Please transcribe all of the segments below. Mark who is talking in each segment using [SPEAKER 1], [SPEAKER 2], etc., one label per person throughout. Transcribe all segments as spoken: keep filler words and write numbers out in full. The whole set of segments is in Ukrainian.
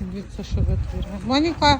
[SPEAKER 1] Дивіться, що витворяє. Моніка.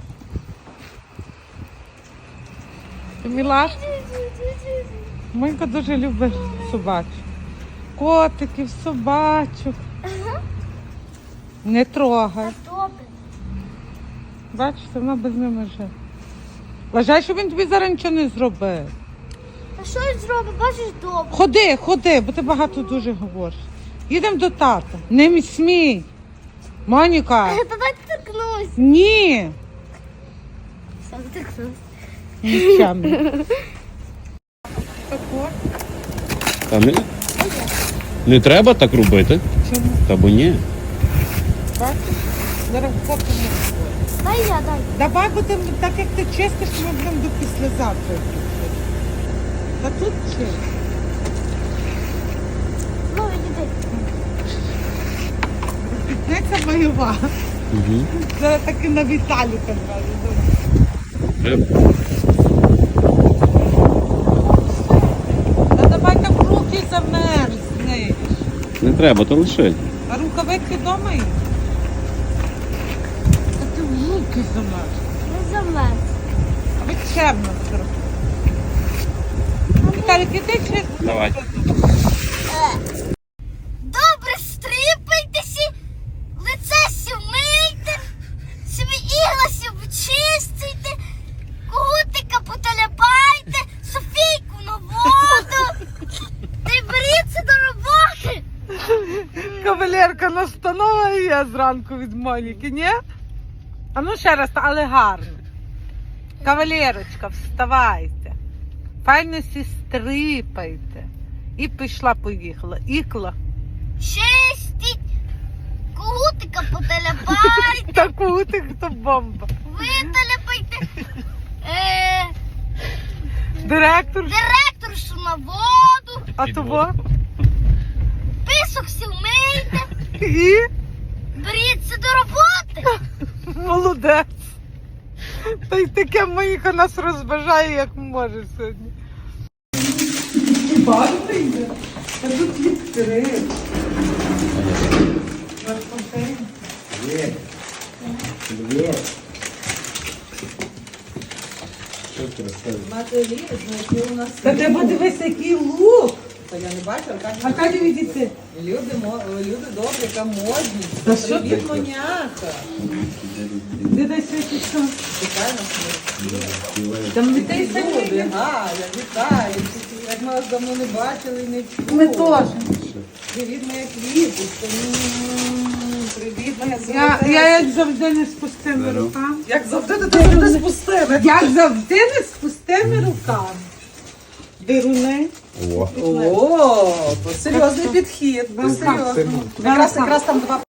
[SPEAKER 1] Ти мілашка? Моніка дуже любить собачок. Котиків, собачок.
[SPEAKER 2] Ага.
[SPEAKER 1] Не трогай.
[SPEAKER 2] Добре.
[SPEAKER 1] Бачиш, вона без ними живе. Вважай, що він тобі зараз нічого не зробив.
[SPEAKER 2] А що він зробить? Бачиш, добре.
[SPEAKER 1] Ходи, ходи, бо ти багато дуже говориш. Їдемо до тата. Не смій. Моніка.
[SPEAKER 2] Давай торкнусь.
[SPEAKER 1] Ні.
[SPEAKER 2] Сам торкнусь.
[SPEAKER 1] Нічами.
[SPEAKER 3] Та не, не треба так робити.
[SPEAKER 1] Чому?
[SPEAKER 3] Та бо ні.
[SPEAKER 1] Бачиш? Зараз попимо.
[SPEAKER 2] Дай я, дай.
[SPEAKER 1] Давай будемо, так як ти чистиш, ми будемо до післязавтра. Та тут чи?
[SPEAKER 2] Ну, іди.
[SPEAKER 1] Пітниця бойова.
[SPEAKER 3] Угу.
[SPEAKER 1] Зараз таки на Віталіка зразу. Та давай так руки замерзнеш.
[SPEAKER 3] Не треба, то лиши.
[SPEAKER 1] А рукавиці вдома є? Та ти в руки замерз.
[SPEAKER 2] Не замерз.
[SPEAKER 1] А ви чемно трохи. Віталік, іди чи?
[SPEAKER 3] Давай.
[SPEAKER 2] Добре, стріпайтеся, лице сі вмийте, собі ігласі почистите, кутика поталяпайте, Софійку на воду. Та й беріться до роботи.
[SPEAKER 1] Кавалерка, настанова є зранку від Моніки, ні? А ну ще раз, але гарно. Кавалерочка, вставайте. Файно сі стрипайте. І пішла, поїхала. Ікла.
[SPEAKER 2] Чистіть, кутика поталяпайте,
[SPEAKER 1] Та кутик, то бомба.
[SPEAKER 2] виталяпайте. Е,
[SPEAKER 1] Директор,
[SPEAKER 2] директоршу на воду,
[SPEAKER 1] а того?
[SPEAKER 2] писок сі вмийте,
[SPEAKER 1] І?
[SPEAKER 2] беріться до роботи.
[SPEAKER 1] Молодець. Та й таке Моніка нас розважає, як може сьогодні. Багато йде? Та тут відкрив. Ваш контейнер?
[SPEAKER 4] Привет. Привет. Що ти розказуєш?
[SPEAKER 5] Матері, знайшли у нас.
[SPEAKER 1] Та ти подивися, який лук.
[SPEAKER 5] Та я не бачу, Аркадій.
[SPEAKER 1] Аркадій, відійди.
[SPEAKER 5] Люди, мо- люди добрі, яка модні.
[SPEAKER 1] Та що ти?
[SPEAKER 5] Привіт, моняка.
[SPEAKER 1] Де дай світі що?
[SPEAKER 5] Вітаю нас.
[SPEAKER 1] Там дітей
[SPEAKER 5] Люди,
[SPEAKER 1] самі.
[SPEAKER 5] Галя, вітаю. Як ми вас давно не бачили і не чули.
[SPEAKER 1] Ми теж.
[SPEAKER 5] Привіт, моя квіточка. М, Привіт, моя
[SPEAKER 1] Я,
[SPEAKER 5] золота.
[SPEAKER 1] я як завжди не з пустими руками.
[SPEAKER 5] Як завжди, ти завжди спустив.
[SPEAKER 1] Як завжди не з пустими руками. Дируни.
[SPEAKER 3] О.
[SPEAKER 5] О, серйозний підхід. Серйозно. Якраз, якраз там два